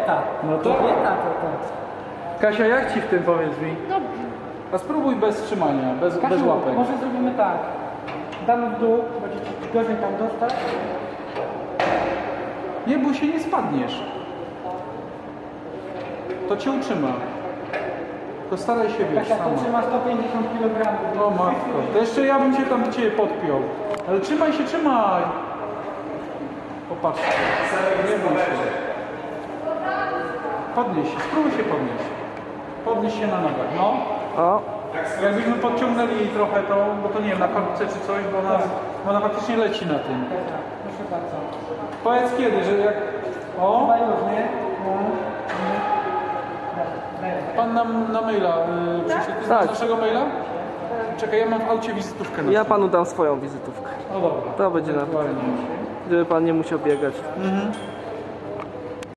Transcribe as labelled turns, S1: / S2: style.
S1: kobieta.
S2: No to...
S1: Kobieta to.
S2: Kasia, jak ci w tym, powiedz mi?
S3: Dobrze.
S2: A spróbuj bez trzymania, bez
S1: Kasiu,
S2: łapek.
S1: może zrobimy tak. Damy w dół, będzie ci gorzej tam dostać.
S2: Nie bój się, nie spadniesz. To cię utrzyma. To staraj się, wiesz,
S1: Kasia, to
S2: sama.
S1: trzyma 150 kg.
S2: O matko, to jeszcze ja bym cię tam do ciebie podpiął. Ale trzymaj się, trzymaj. Popatrzcie. Nie bój się. Podnieś się, spróbuj się podnieść. Podnieś się na nogach, no.
S4: O,
S2: Jakbyśmy podciągnęli jej trochę to, bo to nie wiem, na korbce czy coś, bo ona faktycznie leci na tym.
S1: Kasia, proszę bardzo.
S2: Powiedz kiedy, że jak... O,
S1: Chyba już, nie? No.
S2: pan nam na maila przyszedł. Ty znasz
S4: Tak.
S2: naszego maila? Czekaj, ja mam w aucie wizytówkę na
S4: ja
S2: stole.
S4: panu dam swoją wizytówkę.
S2: No dobra.
S4: To będzie na...
S2: Ewentualnie.
S4: Żeby pan nie musiał biegać.
S2: Mhm.